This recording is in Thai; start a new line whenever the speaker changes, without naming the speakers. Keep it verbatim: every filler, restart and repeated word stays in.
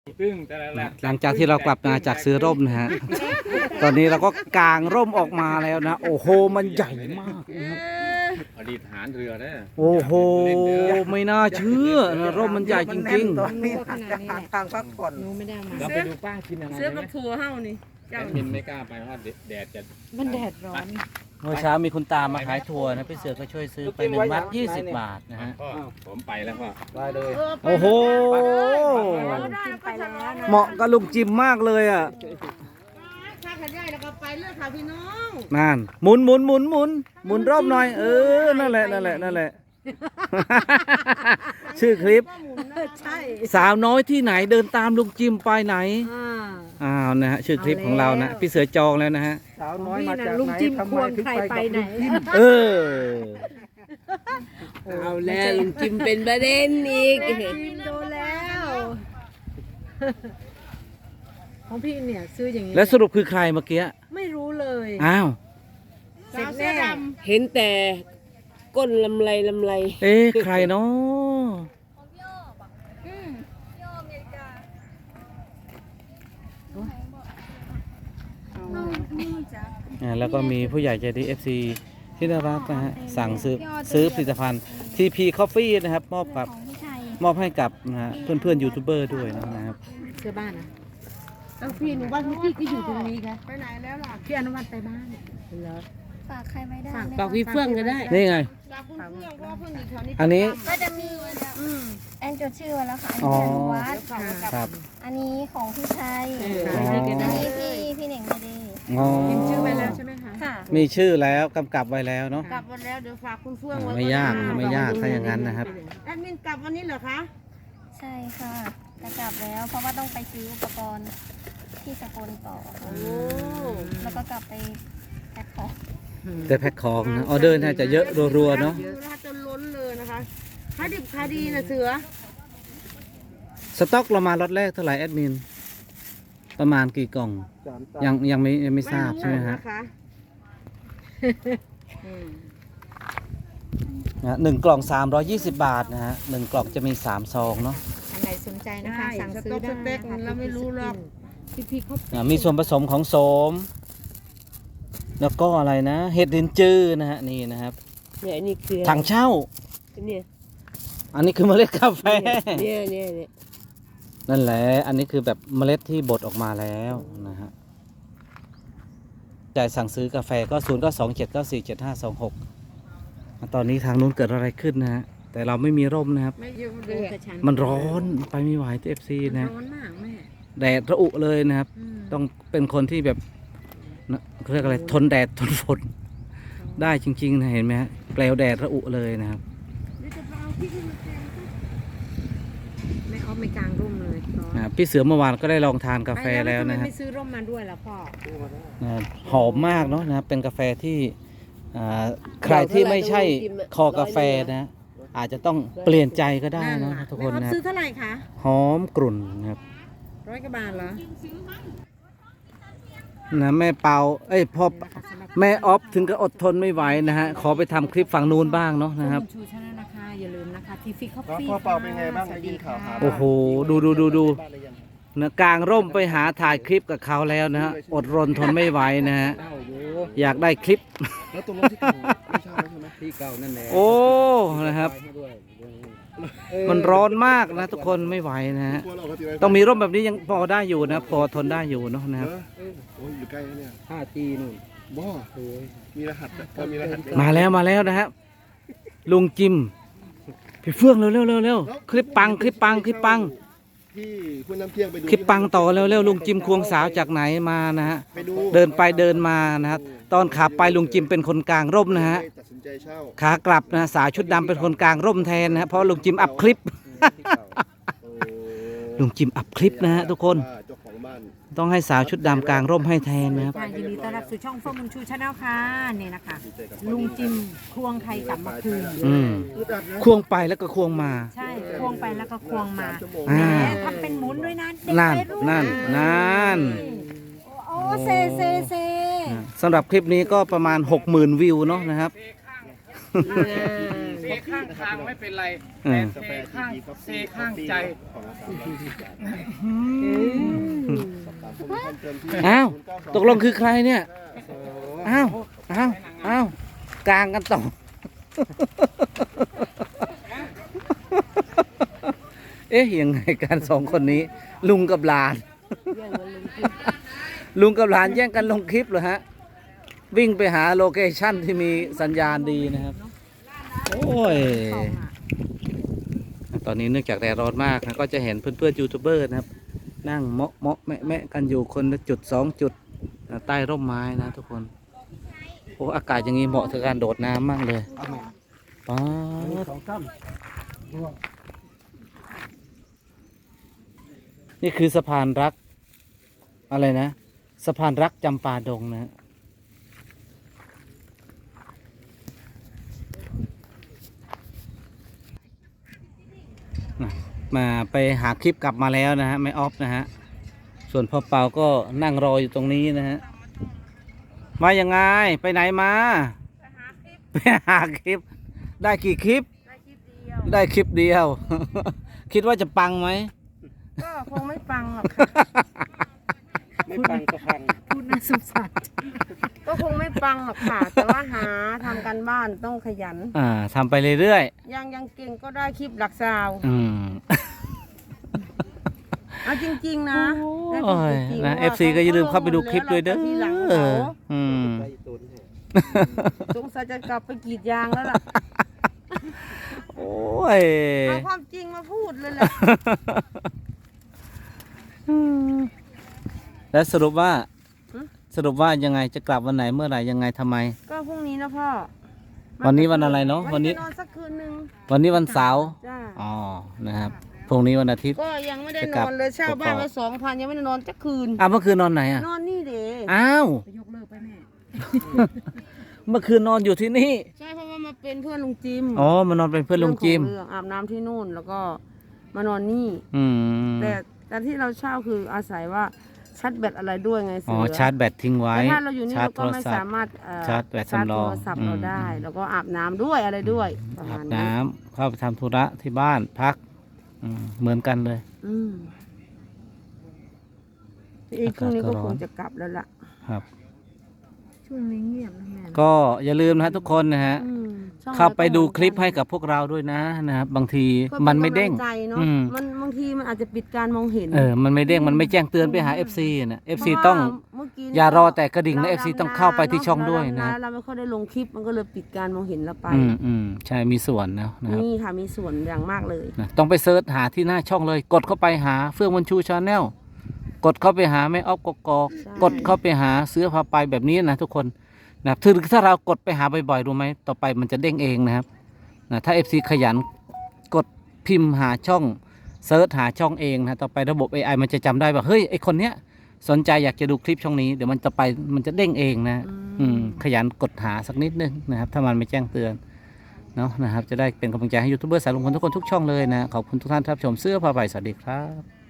ซึ่งแต่ละหลัก
หลังจากที่เรากลับมาจากซื้อร่มนะฮะ ตอนนี้เราก็กางร่มออกมาแล้วนะ โอ้โห มันใหญ่มากนะครับ
อดีตทหารเรือเนี่ย
โอ้โห ไม่น่าเชื่อนะร่มมันใหญ่จริง
ตอนนี้อาจจะหาทางพักผ่อน
หนูไม่ได้เอามา
เราไปดูป้ากินอะไร
เสื้อ
ไหม
กับถั่วเฮ้านี่
แอดมินไม่กล้าไปเพราะแดดจะ
มันแดดร้อน
ๆ เมื่อเช้ามีคุณตามาขายถั่วนะพี่เสือก็ช่วยซื้อไปหนึ่งมัดยี่สิบบาทนะฮะ
ก็ผมไปแล้วก็
ได้เลย
โอ้โห
ไปแล้วนะ
เหมาะกับลุงจิมมากเลยอ่ะ
ถ้าขันใหญ่แล้วก็ไปเลือกค่ะพี่น้อง
นั่นหมุนหมุนหมุนหมุนหมุนรอบหน่อย เออ นั่นแหละ นั่นแหละ นั่นแหละ ชื่อคลิป
ใช่
สาวน้อยที่ไหนเดินตามลุงจิมไปไหน
อ่า
อ้าวนะฮะชื่อคลิปของเรานะ พี่เสือจองแล้วนะฮะ
สาวน้อยมาจาก
ลุง
ไหน
จิ้ม
ทำ
ค
ไม
วง
ถึง
ใคร
ไป
ไป
กับ
ไหน
ลุงจิ้ม
เออ
เอาแล้วลุงจิมเป็นประเด็นอีกโดนแล้ว ของพี่เนี่ยซื้ออย่างนี้
แล้วสรุปคือใครเมื่อกี้
ไม่รู้เลย
อ้าว
เสร็จแน่
เห็นแต่ก้นลำไรลำไร
เอ๊ะใครเนาะอ่าแล้วก็มีผู้ใหญ่ใจดี เอฟ ซี ที่น่ารักนะฮะ สั่งซื้อซื้อผลิตภัณฑ์ ที พี Coffee นะครับ มอบกับมอบให้กับนะฮะเพื่อนเพื่อนๆยูทูบเบอร์ด้วยนะครับ
เสื้อบ้านนะเอาพี่หนูว่าพี่ก็อยู่ตรงนี้ค่ะไปไหนแล้วล่ะพี่อนุวัฒน์ไปบ้านเหรอ
ฝากใครไม่ได้
ฝาก
ไหม
ปากวิเฟื่องก็ได้
นี่ไง
จากคุณเพื่อนเพราะว่าเพื่อนอยู่แถวนี้
อันนี้
ก็จะมี
อืม
แอนจดชื่อไว้แล้วค่ะ อัน
อ๋อ
นี้อนุวัฒน์
ครับ
อันนี้ของพี่ชัย
เออ
อ๋อ
อันนี้ก็
อัน
ได้
นี้พี่พี่เหน่งไม่ดี
อ๋อ
พิมพ์ชื่อไว้แล้วใช่ไหมคะ
ค่ะ
มีชื่อแล้วกำกับไว้แล้วเนาะ
กลับวันแล้วเดี๋ยวฝากคุณเฟื่อง
อ่า
ไว้
ไม่ยากไม่ยากถ้าอย่างนั้นนะครับ
แอดมินกลับวันนี้เหรอคะ
ใช่ค่ะจะกลับแล้ว เพราะว่าต้องไปซื้ออุปกรณ์ที่สกลต่อค่ะ
โอ้
แล้วก็กลับไปแพ็คของ
แต่แพ็คของนะออเดอร์น่าจะเยอะรัวๆเนาะ
เยอะนะคะจนล้นเลยนะคะขายดิบขายดีนะเสือ
สต็อกเรามาล็อตแรกเท่าไหร่แอดมิน ประมาณกี่กล่อง
สามตา
ยังยังไม่ยังไม่ทราบใช่ไหมฮะ
นะคะอืม
นะหนึ่งกล่องสามร้อยยี่สิบบาทนะฮะหนึ่งกล่องจะมีสามซองเนาะ
อันไหนสนใจนะคะสั่งซื้อได้สเต็กเราไม่รู้หรอกพี่พี่เขา
อ่ามีส่วนผสมของโสม แล้วก็อะไรนะ เห็ดลินจื้อนะฮะนี่นะครับ
เนี่ยอันนี้คือ
ถังเช่า
เนี่ย
อันนี้คือเมล็ดกาแฟ
เนี่ยเนี่ยเนี่ย
นั่นแหละ อันนี้คือแบบเมล็ดที่บดออกมาแล้วนะฮะจ่ายสั่งซื้อกาแฟก็ศูนย์ก็สองเจ็ดเก้าสี่เจ็ดห้าสองหกตอนนี้ทางนู้นเกิดอะไรขึ้นนะฮะ แต่เราไม่มีร่มนะครับ
ไม่เยอะเลย
มันร้อนไปไม่ไหวที่เอฟซีนะ
ร้อนมากแม่
แดดระอุเลยนะครับ
อืม
ต้องเป็นคนที่แบบนะเขาเรียกอะไรทนแดดทนฝนได้จริงๆนะเห็นไหมฮะเปลวแดดระอุเลยนะครับ
เดี๋ยวจะไปเอาพี่ขึ้นมาแทนไม่ออฟไม่กลางร่มเลยร้อน
อ่าพี่เสือเมื่อวานก็ได้ลองทานกาแฟแล้วนะ
ทำไม
ครับ
ไม่ซื้อร่มมาด้วยล่ะพ่อ
นะหอมมากเนาะนะครับเป็นกาแฟที่อ่าใครที่ไม่ใช่คอกาแฟนะ อาจจะต้องเปลี่ยนใจก็ได้นะทุกคน
แม่ออฟ
นะค
ซื้
รั
อบ เท่าไหร่คะ
หอมกลุ่นนะครับ
ร้อยกว่าบาทเหรอ
นะแม่เปาเอ้ยพ่อแม่ออฟถึงก็อดทนไม่ไหวนะฮะขอไปทำคลิปฝั่งนู้นบ้างเนาะนะครับ
ณชูชนะนะคะอย่าลืมนะคะทีฟิกคอฟ
แล้ว
ฟี่
พ่อเปาเป็นไงบ้างได้ยินข่าวหา
โอ้โหดูดูดูดูนะกลางร่มไปหาถ่ายคลิปกับเขาแล้วนะฮะอดรนทนไม่ไหวนะฮะ
เต้าอยู่
อยากได้คลิป
แล้วตรงรถที่เก่าไม่เช่าแล้วใช่ไหมที่เก่านั่นแหละ
โอ้นะครับ มันร้อนมากนะทุกคนไม่ไหวนะฮะต้องมีร่มแบบนี้ยังพอได้อยู่นะพอทนได้อยู่เนาะนะครับ
โอ้ยอยู่ใกล้แล้วเนี่ย
ห้าจีนู่น
บ่มีรหัสอะพอมีรหัส
มาแล้วมาแล้วนะครับลุงจิมพี่เฟื่องเร็วเร็วเร็วเร็วคลิปปังคลิปปังคลิปปัง
ที่คุณน้ำเที่ยงไปดู
คลิปปังต่อเร็วเร็วลุงจิมควงสาวจากไหนมานะฮะ
ไปดู
เดินไปเดินมานะครับตอนขาไปลุงจิมเป็นคนกลางร่มนะฮะ
ตัดสินใจเช่า
ขากลับนะสาวชุดดำเป็นคนกลางร่มแทนนะฮะเพราะลุงจิมอัพคลิป
โอ้
ลุงจิมอัพคลิปนะฮะทุกคน
ว่าเจ้าของบ้าน
ต้องให้สาวชุดดำกลางร่มให้แทนนะครับ
ค่ะยินดีต้อนรับสู่ช่องเฟิร์มบุญชูชาแนลค่ะนี่นะคะลุงจิมควงใครกลับมาคืน
อืม
อึดอัดนะ
ควงไปแล้วก็ควงมา
ใช่ควงไปแล้วก็ควงมา
ชั่วโมง
อ่า
แหมทำเป็นหมุนด้วยนะเด็ก
นั่น
วัยรุ่
นั่นนั่น
โอ้เซเซเซ
สำหรับคลิปนี้ก็ประมาณหกหมื่นวิวเนาะนะครับ
เ
ข้างทางไม่เป็นไร
อืม
กาแฟ
ข้าง
ทีพี
เซข้างใจ
ของอาสาบริการสอบถามข้อมูลเพิ่มเติมที่
อ้าว
ศูนย์เก้าสอง
ตกลงคือใครเนี่ย
โอ้
อ้าว อ้าว อ้าว กลางกันต่อ เอ๊ะ ยังไงการสองคนนี้ ลุงกับหลาน ลุงกับหลานแย่งกันลงคลิปเหรอฮะ วิ่งไปหาโลเคชั่นที่มีสัญญาณดีนะครับ โอ้ย ตอนนี้เนื่องจากแดดร้อนมากนะก็จะเห็นเพื่อนๆยูทูบเบอร์นะครับ นั่งเมาะเมาะแมะแมะกันอยู่คนละจุดสองจุดใต้ร่มไม้นะทุกคน โอ้อากาศอย่างนี้เหมาะกับการโดดน้ำมากเลยป๊าดนี่คือสะพานรัก อะไรนะ สะพานรักจำปาดงนะ มาไปหาคลิปกลับมาแล้วนะฮะไม่ออฟนะฮะส่วนพ่อเปาก็นั่งรออยู่ตรงนี้นะฮะมายังไงไปไหนมาไปหาคลิปได้กี่คลิปได้คลิปเดียว คิดว่าจะปังไหม
ก็คงไม่ฟังหรอกค่ะ
ไม่ปังก็พัง
พูดน่าสงสารก็คงไม่ฟังหรอกค่ะ แต่ว่าหาทำกันบ้านต้องขยัน
อ่าทำไปเรื่อย
ยังยังเก่งก็ได้คลิปหลักซาว
ๆอืม
เอาจริงๆนะได้
โอ้ย
จริงๆ
นะ
ว่า
เอฟซีก็อย่าลืมเข้าไปดูคลิปด้วยเด้อ
แล้ราก็ทีหลังเขา
อืม
ไปตุนแท้
สงสัยจะกลับไปกรีดยางแล้วล่ะ
โอ้ย
เอาความจริงมาพูดเลยแหละ
แล้วสรุปว่า
ฮะ
สรุปว่ายังไงจะกลับวันไหนเมื่อไหร่ยังไงทำไม
ก็พรุ่งนี้นะพ่อ
วันนี้วันอะไรเนอะวันนี้
จะนอนสักคืนหนึ่ง
วันนี้วันเสาร์
จ้า
อ๋อนะครับพรุ่งนี้วันอาทิตย์
ก็ยังไม่ได้
จะ
น
กลับ
อนเลยเช่าบ้าน
กกอก
ไว้สองพันยังไม่ได้นอนสักคืน
อ่ะเมื่อคืนนอนไหนอ่ะ
นอนนี่เด้
อ้าว
ยกเลิกไปแม่
เมื่อคืนนอนอยู่ที่นี่
ใช่เพราะว่ามาเป็นเพื่อนลุงจิม
อ๋อมานอนเป็นเพื่อนลุงจิม
เรื่องของเรื่องอาบน้ำที่นู่นแล้วก็มานอนนี่
อืม
แต่แต่ที่เราเช่าคืออาศัยว่าชาร์จแบตอะไรด้วยไงเสื
อ๋อชาร์จแบตทิ้งไว้
แต่ถ้าเราอยู่นี่
ชาร์จ
เรา
โท
ก็
ร
ไม่
ศัพ
สา
ท์
มารถเอ่อ
ชาร์จแบตสำรอง
โทรศัพท์เรา
อืม
ได้ แล้วก็อาบน้ำด้วยอะไรด้วยประ
อา
มา
บ
ณ
น้ำ
นั้น
เข้าไปทำธุระที่บ้านพักอืมเหมือนกันเลย
อืมอีกพรุ่งนี้ก็
อากาศก็ร้
ค
อน
งจะกลับแล้วล่ะ
ครับ
ช่วงนี้เงียบนะแม่
ก็อย่าลืมนะฮะทุกคนนะฮะ
อืมช่อง
เข้าไปดู
หนก็
คลิป
เหอนกัน
ให้กับพวกเราด้วยนะนะครับบางที
ก็
มันไม่เด้ง
ป็กำลัใจเนอะ
อืม
มันบางทีมันอาจจะปิดการมองเห็น
เออมันไม่เด้งมันไม่แจ้งเตือนไปหา เอฟ ซี นะ เอฟ ซี
เพราะว่า
ต้อง
เมื่อกี้
อย่ารอแต่กระดิ่งนะ เอฟ ซี
รา
ต้องเข้าไปที่ช่องด้วยนะ
เราเราไม่ค่อยได้ลงคลิปมันก็เลยปิดการมองเห็นเราไป
อืมอืมใช่มีส่วนนะนะครับ
นี่ค่ะมีส่วนอย่างมากเลย
นะต้องไปเซิร์ชหาที่หน้าช่องเลย กดเข้าไปหาเฟื่องวันชูชาแนลกดเข้าไปหาแม่ออฟกกอก
ใช่
กดเข้าไปหาเสื้อผ้าไปแบบนี้นะทุกคนนะถึงถ้าเรากดไปหาบ่อยๆรู้ไหมต่อไปมันจะเด้งเองนะครับนะถ้า เอฟ ซี ขยันกดพิมพ์หาช่องเซิร์ชหาช่องเองนะต่อไประบบ เอ ไอ มันจะจำได้ว่าเฮ้ยไอคนเนี้ยสนใจอยากจะดูคลิปช่องนี้เดี๋ยวมันจะไปมันจะเด้งเองนะอืมขยันกดหาสักนิดนึงนะครับถ้ามันไม่แจ้งเตือนเนาะนะครับจะได้เป็นกำลังใจให้ยูทูบเบอร์สายลุงพลทุกคนทุกช่องเลยนะขอบคุณทุกท่านที่รับชมเสื้อผ้าใบสวัสดีครับ